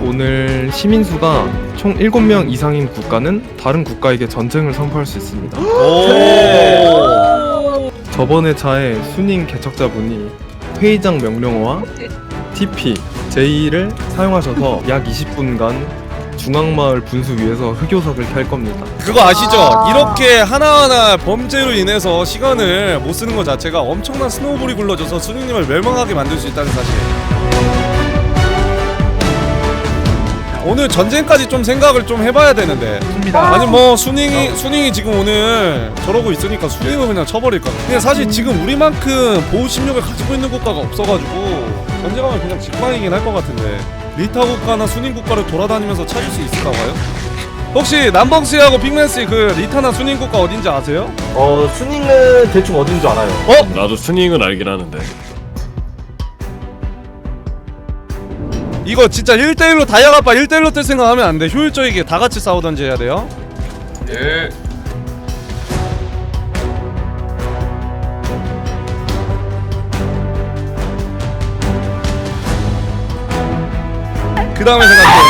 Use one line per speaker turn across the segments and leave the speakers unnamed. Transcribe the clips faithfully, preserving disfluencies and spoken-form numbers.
오늘 시민수가 총 일곱 명 이상인 국가는 다른 국가에게 전쟁을 선포할 수 있습니다.
오.
저번 회차에 순임 개척자분이 회의장 명령어와 티피, 제이를 사용하셔서 약 이십 분간 중앙마을 분수 위에서 흑요석을 켤 겁니다.
그거 아시죠? 이렇게 하나하나 범죄로 인해서 시간을 못 쓰는 것 자체가 엄청난 스노우볼이 굴러져서 순이님을 멸망하게 만들 수 있다는 사실. 오늘 전쟁까지 좀 생각을 좀 해봐야 되는데. 아니 뭐 순잉이 순잉이 지금 오늘 저러고 있으니까 순잉을 그냥 쳐버릴까. 근데 사실 지금 우리만큼 보호 심력을 가지고 있는 국가가 없어가지고 전쟁하면 그냥 직방이긴 할 것 같은데. 리타 국가나 순잉 국가를 돌아다니면서 찾을 수 있을까 봐요? 혹시 남봉씨하고 빅맨씨 그 리타나 순잉 국가 어딘지 아세요?
어 순잉은 대충 어딘 줄 알아요.
어?
나도 순잉은 알긴 하는데.
이거 진짜 일 대일로 다이아가빠 일 대일로 뜰 생각하면 안 돼. 효율적이게 다 같이 싸우던지 해야 돼요.
예.
그 다음에 생각해.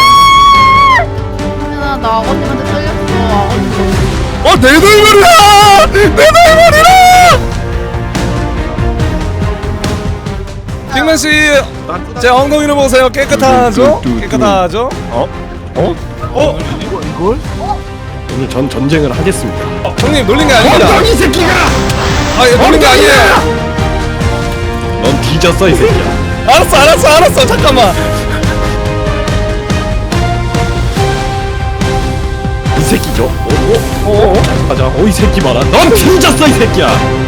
나, 나 아버님한테 잘렸어. 아버님.
어, 내 돌머리야! 내 돌머리야! 빅맨씨, 제 엉덩이를 보세요. 깨끗하죠? 깨끗하죠?
어?
어? 어?
이거 이걸?
오늘 전 전쟁을 하겠습니다.
어, 형님 놀린 게 아닙니다.
이 새끼가!
아, 얘 놀린 게 아니에요.
넌 뒤졌어 이 새끼야.
알았어, 알았어, 알았어. 잠깐만.
이 새끼죠? 어? 어? 어? 가자. 어 이 새끼 봐라. 넌 뒤졌어 이 새끼야.